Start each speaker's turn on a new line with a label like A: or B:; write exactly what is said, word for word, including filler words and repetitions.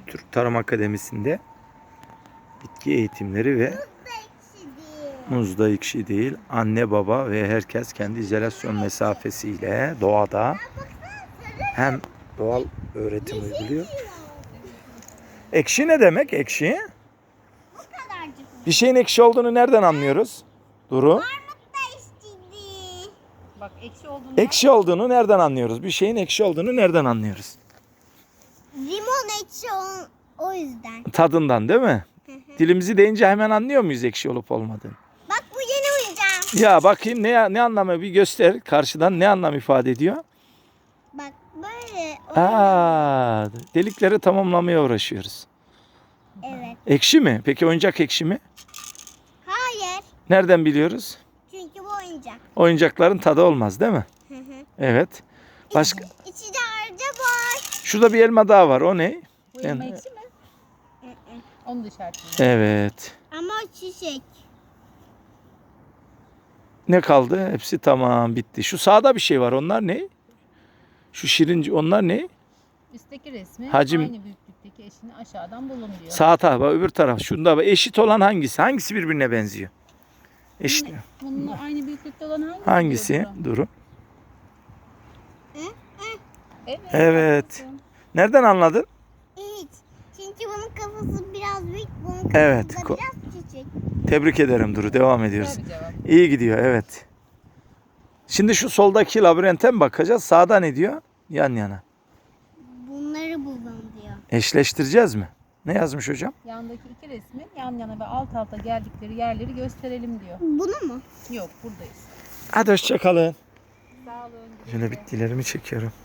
A: Türk Tarım Akademisi'nde bitki eğitimleri ve muzda ekşi değil. Anne baba ve herkes kendi izolasyon mesafesiyle doğada hem doğal öğretim uyguluyor. Ekşi ne demek ekşi? Bir şeyin ekşi olduğunu nereden anlıyoruz? Duru.
B: Bak ekşi olduğunu.
A: Ekşi olduğunu nereden anlıyoruz? Bir şeyin ekşi olduğunu nereden anlıyoruz?
C: Limon ekşi o, o yüzden.
A: Tadından değil mi? Dilimizi deyince hemen anlıyor muyuz ekşi olup olmadığını?
C: Bak bu yeni oyuncağım.
A: Ya bakayım ne ne anlamı bir göster. Karşıdan ne anlam ifade ediyor?
C: Bak böyle.
A: Aa, delikleri tamamlamaya uğraşıyoruz.
C: Evet.
A: Ekşi mi? Peki oyuncak ekşi mi?
C: Hayır.
A: Nereden biliyoruz?
C: Çünkü bu oyuncak.
A: Oyuncakların tadı olmaz değil mi?
C: Hı hı.
A: Evet. Başka?
C: İçi de harca var.
A: Şurada bir elma daha var. O ne?
B: Bu elma
A: Yani-
B: ekşi mi?
C: Hı hı.
B: Onu da işaretleyin.
A: Evet.
C: Ama çiçek.
A: Ne kaldı? Hepsi tamam bitti. Şu sağda bir şey var. Onlar ne? Şu şirinci onlar ne?
B: Üstteki resmi
A: Hacim-
B: aynı büyüklükteki eşini aşağıdan bulun diyor.
A: Sağ taraf, öbür taraf. Şunda bak, eşit olan hangisi? Hangisi birbirine benziyor? Eşit.
B: Yine bununla aynı büyüklükte olan hangisi?
A: Hangisi?
B: diyor Duru?
A: Duru.
B: Evet.
A: Evet.
B: haklısın.
A: Nereden anladın?
C: Hiç. Çünkü bunun kafası biraz büyük. Bunun kafası
A: Evet,
C: da
A: ko-
C: biraz küçük.
A: Tebrik ederim Duru. Devam ediyoruz.
B: Güzel bir cevap.
A: İyi gidiyor, evet. Şimdi şu soldaki labirente mi bakacağız? Sağda ne diyor? Yan yana.
C: Bunları buldum diyor.
A: Eşleştireceğiz mi? Ne yazmış hocam?
B: Yandaki iki resmin yan yana ve alt alta geldikleri yerleri gösterelim diyor.
C: Bunu mu?
B: Yok buradayız.
A: Hadi hoşça kalın.
B: Sağ olun.
A: Şöyle bitkilerimi çekiyorum.